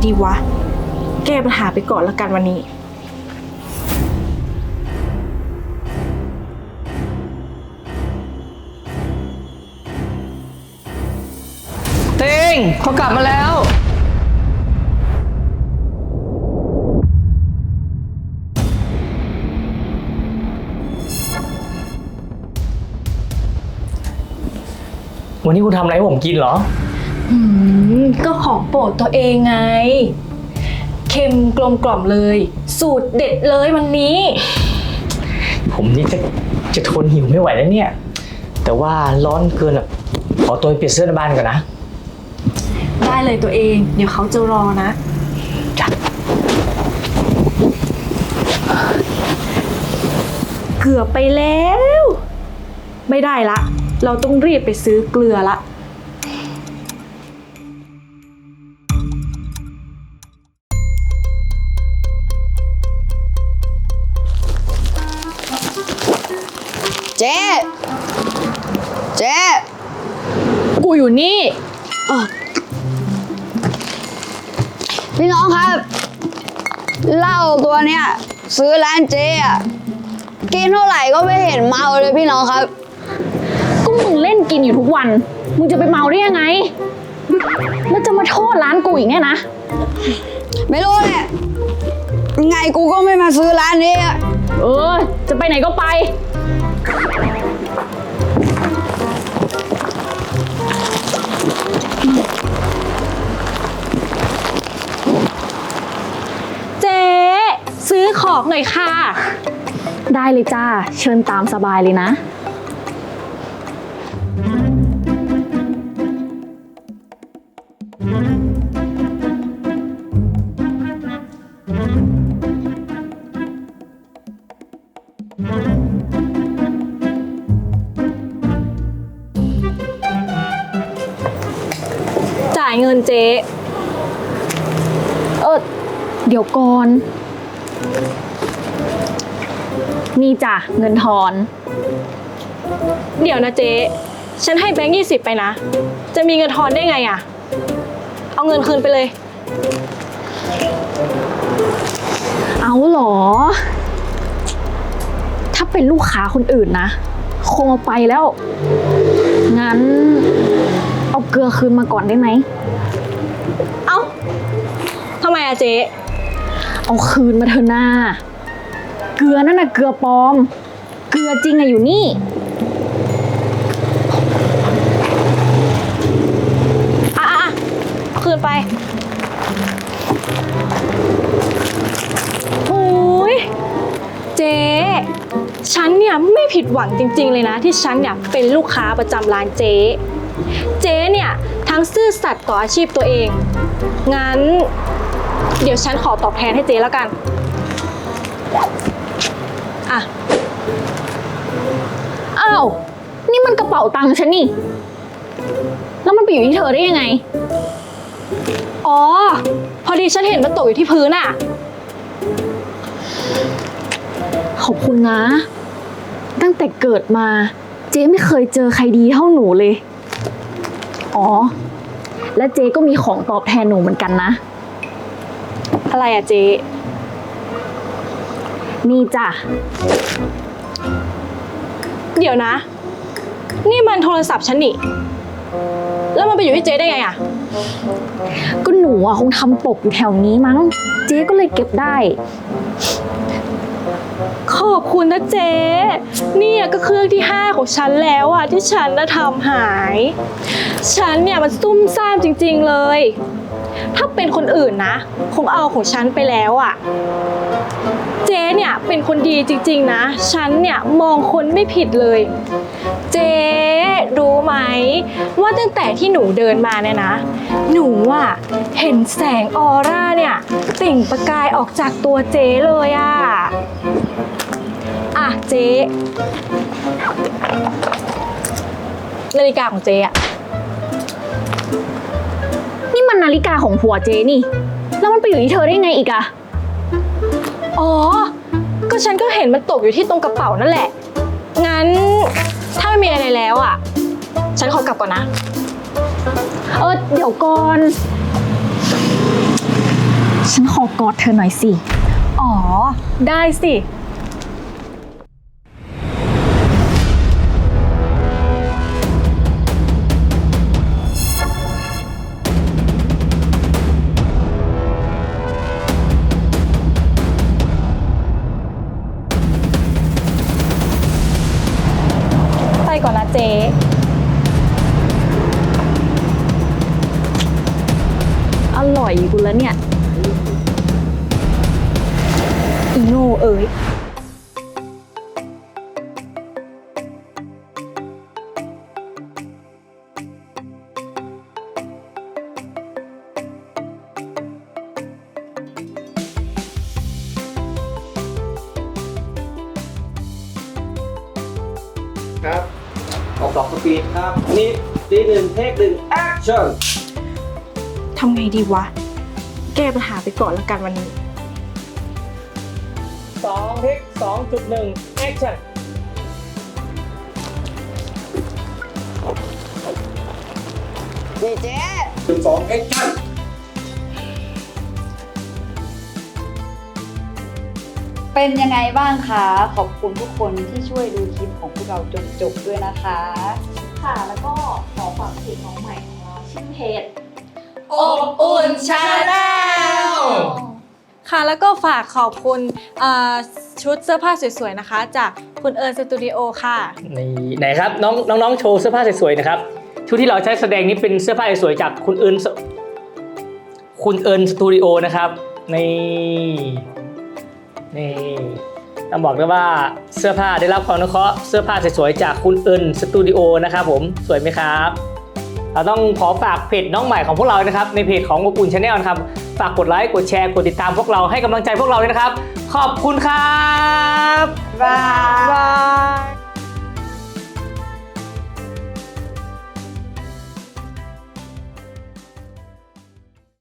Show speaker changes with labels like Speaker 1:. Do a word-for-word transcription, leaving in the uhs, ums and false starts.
Speaker 1: ดีวะแก้ปัญหาไปก่อนละกันวันนี้
Speaker 2: เต้งเขากลับมาแล้ววันนี้คุณทำอะไรให้ผมกินเหรอ
Speaker 1: อืมก็ของโปรดตัวเองไงเค็มกลมกล่อมเลยสูตรเด็ดเลยวันนี้
Speaker 2: ผมนี่จะจะทนหิวไม่ไหวแล้วเนี่ยแต่ว่าร้อนเกินอ่ะขอตัวไปเปลี่ยนเสื้อในบ้านก่อนนะ
Speaker 1: ได้เลยตัวเองเดี๋ยวเขาจะรอนะ
Speaker 2: จ้ะ
Speaker 1: เกือบไปแล้วไม่ได้ละเราต้องรีบไปซื้อเกลือละ
Speaker 3: เจ๊เจ๊
Speaker 1: กูอยู่นี่
Speaker 3: พี่น้องครับเหล้าตัวเนี้ยซื้อร้านเจ๊อะกินเท่าไหร่ก็ไม่เห็นเมาเลยพี่น้องครับ
Speaker 4: ก็มึงเล่นกินอยู่ทุกวันมึงจะไปเมาได้ยังไงแล้วจะมาโทษร้านกูอีกเนี่ยนะ
Speaker 3: ไม่รู้แหละยังไงกูก็ไม่มาซื้อร้านนี้
Speaker 4: เออจะไปไหนก็ไป
Speaker 1: เจ๊ซื้อของหน่อยค่ะ
Speaker 4: ได้เลยจ้าเชิญตามสบายเลยนะ
Speaker 1: จ่ายเงินเจ๊
Speaker 4: เออเดี๋ยวก่อนนี่จ้ะเงินทอน
Speaker 1: เดี๋ยวนะเจ๊ฉันให้แบงค์ยี่สิบไปนะจะมีเงินทอนได้ไงอะเอาเงินคืนไปเลย
Speaker 4: เอาหรอถ้าเป็นลูกค้าคนอื่นนะคงเอาไปแล้วงั้นเอาเกลือคืนมาก่อนได้ไหม
Speaker 1: เอ้าทำไมอะเจ๊
Speaker 4: เอาคืนมาเถอะหน้าเกลือนั่นน่ะเกลือปลอมเกลือจริงอะอยู่นี่
Speaker 1: อ่ะอ่ะคืนไปโอ้ยเจ๊ฉันเนี่ยไม่ผิดหวังจริงๆเลยนะที่ฉันเนี่ยเป็นลูกค้าประจำร้านเจ๊เจ๊เนี่ยทั้งซื่อสัตย์ต่ออาชีพตัวเองงั้นเดี๋ยวฉันขอตอบแทนให้เจ๊แล้วกันอ่ะ
Speaker 4: อ้าวนี่มันกระเป๋าตังค์ฉันนี่แล้วมันไปอยู่ที่เธอได้ยังไง
Speaker 1: อ๋อพอดีฉันเห็นมันตกอยู่ที่พื้นอ่ะ
Speaker 4: ขอบคุณนะตั้งแต่เกิดมาเจ๊ไม่เคยเจอใครดีเท่าหนูเลยอ๋อและเจ๊ก็มีของตอบแทนหนูเหมือนกันนะ
Speaker 1: อะไรอะเจ๊
Speaker 4: นี่จ้ะ
Speaker 1: เดี๋ยวนะนี่มันโทรศัพท์ฉันนี่แล้วมันไปอยู่ที่เจ๊ได้ไงอะ
Speaker 4: ก็หนูอะคงทำตกอยู่แถวนี้มั้งเจ๊ก็เลยเก็บได้
Speaker 1: ขอบคุณนะเจ๊นี่ก็เครื่องที่ห้าของฉันแล้วอะที่ฉันน่ะทำหายฉันเนี่ยมันซุ่มซ่ามจริงๆเลยถ้าเป็นคนอื่นนะคงเอาของฉันไปแล้วอะเจ๊เนี่ยเป็นคนดีจริงๆนะฉันเนี่ยมองคนไม่ผิดเลยเจ๊รู้ไหมว่าตั้งแต่ที่หนูเดินมาเนี่ยนะหนูอะเห็นแสงออร่าเนี่ยเปล่งประกายออกจากตัวเจ๊เลยอะอ่ะเจ๊นาฬิกาของเจ๊อะ
Speaker 4: นี่มันนาฬิกาของผัวเจ๊นี่แล้วมันไปอยู่ที่เธอได้ไงอีกอะ
Speaker 1: อ๋อก็ฉันก็เห็นมันตกอยู่ที่ตรงกระเป๋านั่นแหละงั้นถ้าไม่มีอะไรแล้วอ่ะฉันขอกลับก่อนนะ
Speaker 4: เออเดี๋ยวก่อนฉันขอกอดเธอหน่อยสิ
Speaker 1: อ๋อ ได้สิ ไปก่อนนะเจ๊
Speaker 4: อร่อยกูแล้วเนี่ย
Speaker 1: อีโง่เอ๋ย
Speaker 2: ครับออกดอกสปีดครับนี่ตีหนึ่งเทคหนึ่งแอคชั่น
Speaker 1: ทำไงดีวะ แก้ปัญหาไปก่อนละกันวันนี้
Speaker 2: สองเทคสองจุดหนึ่งแอคชั่น
Speaker 3: นี่เจ๊
Speaker 2: หนึ่งสองแอคชั่น
Speaker 3: เป็นยังไงบ้างคะ ขอบคุณทุกคนที่ช่วยดูคลิปของพวกเราจนจบด้วยนะคะ
Speaker 4: ค่ะ แล้วก็ขอฝากเพจน้องใหม่ของเราชื่อเพจ
Speaker 1: อบอุ่นชาแนลค่ะ แล้วก็ฝากขอบคุณเอ่อชุดเสื้อผ้าสวยๆนะคะ จากคุณเอิญสตูดิโอค่ะ
Speaker 2: นี่ไหนครับน้องน้องๆโชว์เสื้อผ้าสวยๆนะครับชุดที่เราใช้แสดงนี้เป็นเสื้อผ้าสวยๆจากคุณเอิญสคุณเอิญสตูดิโอนะครับนี่นี่ต้องบอกเลยว่าเสื้อผ้าได้รับความอนุเคราะห์เสื้อผ้าสวยๆจากคุณเอิญสตูดิโอนะครับผมสวยไหมครับเราต้องขอฝากเพจน้องใหม่ของพวกเรานะครับในเพจของอบอุ่นชาแนลนะครับฝากกดไลค์กดแชร์กดติดตามพวกเราให้กำลังใจพวกเราด้วยนะครับขอบคุณครับ
Speaker 3: บาย
Speaker 1: บาย